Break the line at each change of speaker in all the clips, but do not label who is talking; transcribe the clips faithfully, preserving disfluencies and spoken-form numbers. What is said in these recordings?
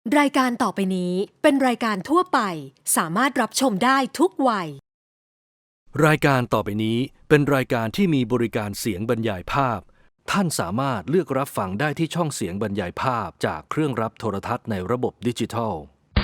รายการต่อไปนี้เป็นรายการทั่วไปสามารถรับชมได้ทุกวัย
รายการต่อไปนี้เป็นรายการที่มีบริการเสียงบรรยายภาพท่านสามารถเลือกรับฟังได้ที่ช่องเสียงบรรยายภาพจากเครื่องรับโทรทัศน์ในระบบดิจิทัล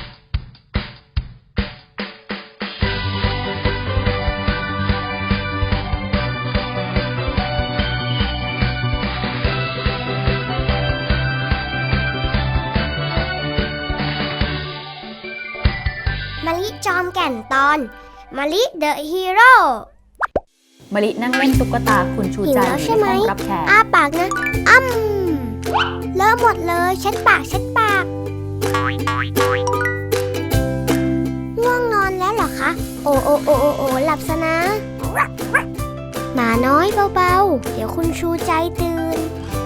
มะลิจอมแก่นตอนมะลิเดอะฮีโร่
มะลินั่งเล่นตุ๊กตาคุณชูใจอยู่ในห้องรับแขก
อ้าปากนะอ้ำเลอะหมดเลยเช็ดปากเช็ดปากง่วงนอนแล้วเหรอคะโอโอโอโอโอหลับซะนะหมาน้อยเบาๆเดี๋ยวคุณชูใจตื่น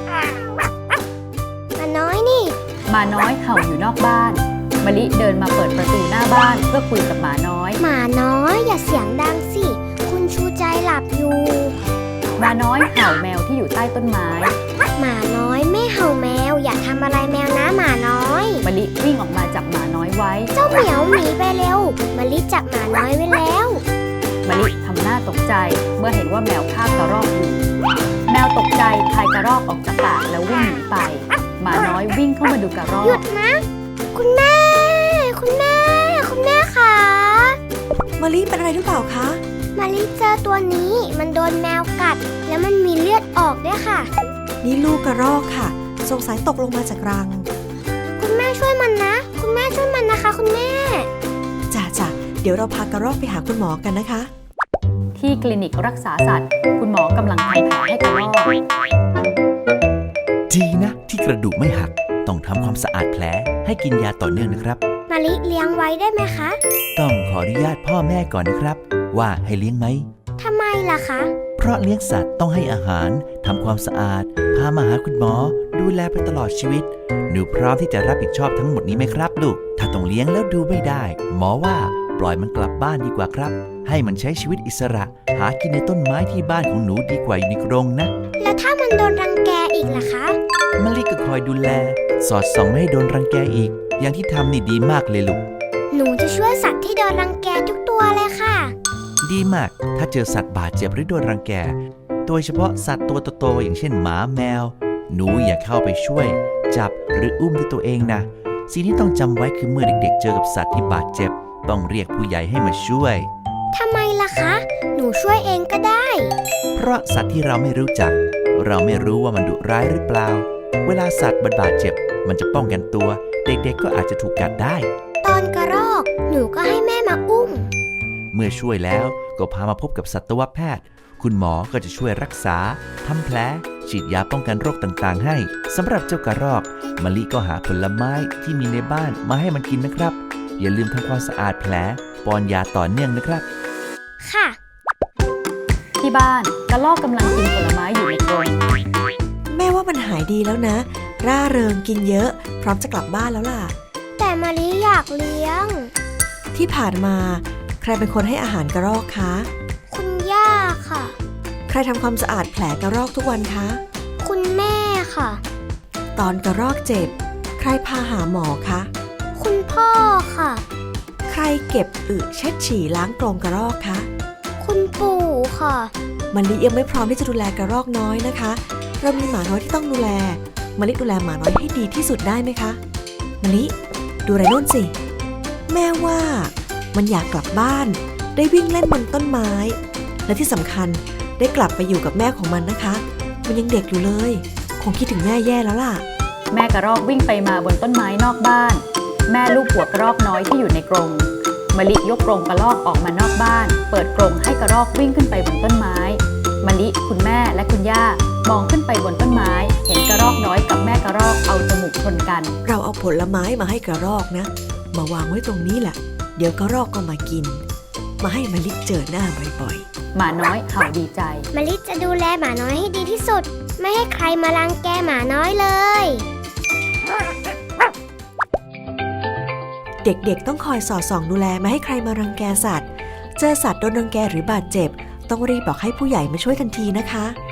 หมาน้อยนี่
หมาน้อยเห่าอยู่นอกบ้านมะลิเดินมาเปิดประตูหน้าบ้านเพื่อคุยกับหมาน้อย
หมาน้อยอย่าเสียงดังสิคุณชูใจหลับอยู่
หมาน้อยเห่าแมวที่อยู่ใต้ต้นไม้
หมาน้อยไม่เห่าแมวอย่าทำอะไรแมวนะหมาน้อย
มะลิวิ่งออกมาจับหมาน้อยไว้
เจ้าเหมียวหนีไปเร็วมะลิจับหมาน้อยไว้แล้ว
มะลิทำหน้าตกใจเมื่อเห็นว่าแมวคาบกระรอกอยู่แมวตกใจคายกระรอกออกจากปากแล้ววิ่งหนีไปหมาน้อยวิ่งเข้ามาดูกระรอก
หยุดนะคุณแม่คุณแม่คุณแม่คะ
มะลิเป็นอะไรหรือเปล่าคะ
มะลิเจอตัวนี้มันโดนแมวกัดแล้วมันมีเลือดออกด้วยค่ะ
นี่ลูกกระรอกค่ะสงสัยตกลงมาจากรัง
คุณแม่ช่วยมันนะคุณแม่ช่วยมันนะคะคุณแม่
จ้าจ้าเดี๋ยวเราพากระรอกไปหาคุณหมอกันนะคะ
ที่คลินิกรักษาสัตว์คุณหมอกำลังทำแผลให้กระรอก
ดีนะที่กระดูกไม่หักต้องทำความสะอาดแผลให้กินยาต่อเนื่องนะครับ
มะลิเลี้ยงไว้ได้ไหมคะ
ต้องขออนุญาตพ่อแม่ก่อนนะครับว่าให้เลี้ยงไหม
ทำไมล่ะคะ
เพราะเลี้ยงสัตว์ต้องให้อาหารทำความสะอาดพามาหาคุณหมอดูแลไปตลอดชีวิตหนูพร้อมที่จะรับผิดชอบทั้งหมดนี้ไหมครับลูกถ้าต้องเลี้ยงแล้วดูไม่ได้หมอว่าปล่อยมันกลับบ้านดีกว่าครับให้มันใช้ชีวิตอิสระหากินในต้นไม้ที่บ้านของหนูดีกว่าอยู่ในกรงนะ
แล้วถ้ามันโดนรังแกอีกล่ะคะ
มะลิก็คอยดูแลสอดส่องไม่ให้โดนรังแกอีกอย่างที่ทำนี่ดีมากเลยลูก
หนูจะช่วยสัตว์ที่โดนรังแกทุกตัวเลยค่ะ
ดีมากถ้าเจอสัตว์บาดเจ็บหรือโดนรังแกโดยเฉพาะสัตว์ตัวโตๆอย่างเช่นหมาแมวหนูอย่าเข้าไปช่วยจับหรืออุ้มด้วยตัวเองนะสิ่งที่ต้องจำไว้คือเมื่อเด็กๆเจอกับสัตว์ที่บาดเจ็บต้องเรียกผู้ใหญ่ให้มาช่วย
ทำไมล่ะคะหนูช่วยเองก็ได้
เพราะสัตว์ที่เราไม่รู้จักเราไม่รู้ว่ามันดุร้ายหรือเปล่าเวลาสัตว์บาดเจ็บมันจะป้องกันตัวเด็กๆก็อาจจะถูกกัดได้
ตอนกระรอกหนูก็ให้แม่มาอุ้ม
เมื่อช่วยแล้วก็พามาพบกับสัตวแพทย์คุณหมอก็จะช่วยรักษาทำแผลฉีดยาป้องกันโรคต่างๆให้สำหรับเจ้ากระรอกมะลิก็หาผลไม้ที่มีในบ้านมาให้มันกินนะครับอย่าลืมทำความสะอาดแผลป้อนยาต่อเนื่องนะครับ
ค่ะ
ที่บ้านกระรอกกำลังกินผลไม้อยู่ในกรง
แม่ว่ามันหายดีแล้วนะร่าเริงกินเยอะพร้อมจะกลับบ้านแล้วล่ะ
แต่มะลิอยากเลี้ยง
ที่ผ่านมาใครเป็นคนให้อาหารกระรอกคะ
คุณย่าค่ะ
ใครทำความสะอาดแผลกระรอกทุกวันคะ
คุณแม่ค่ะ
ตอนกระรอกเจ็บใครพาหาหมอคะ
คุณพ่อค่ะ
ใครเก็บอึเช็ดฉี่ล้างกรงกระรอกคะ
คุณปู่ค่ะ
มะลิยังไม่พร้อมที่จะดูแลกระรอกน้อยนะคะเรามีหมาน้อยที่ต้องดูแลมะลิดูแลหมาน้อยให้ดีที่สุดได้ไหมคะมะลิดูไรโน่นสิแม่ว่ามันอยากกลับบ้านได้วิ่งเล่นบนต้นไม้และที่สำคัญได้กลับไปอยู่กับแม่ของมันนะคะมันยังเด็กอยู่เลยคงคิดถึงแม่แย่แล้วล่ะ
แม่กระรอกวิ่งไปมาบนต้นไม้นอกบ้านแม่ลูกหัวกระรอกน้อยที่อยู่ในกรงมะลิยกกรงกระรอกออกมานอกบ้านเปิดกรงให้กระรอกวิ่งขึ้นไปบนต้นไม้มะลิคุณแม่และคุณย่ามองขึ้นไปบนต้นไม้เห็นกระรอกน้อยกับแม่กระรอกเอาจมูกชนกัน
เราเอาผลไม้มาให้กระรอกนะมาวางไว้ตรงนี้แหละเดี๋ยวกระรอกก็มากินมาให้มะลิเจอหน้าบ่อย
ๆหมาน้อยเห่าดีใจ
มะลิจะดูแลหมาน้อยให้ดีที่สุดไม่ให้ใครมารังแกหมาน้อยเลย
เด็กๆต้องคอยสอดส่องดูแลไม่ให้ใครมารังแกสัตว์เจอสัตว์โดนรังแกหรือบาดเจ็บต้องรีบบอกให้ผู้ใหญ่มาช่วยทันทีนะคะ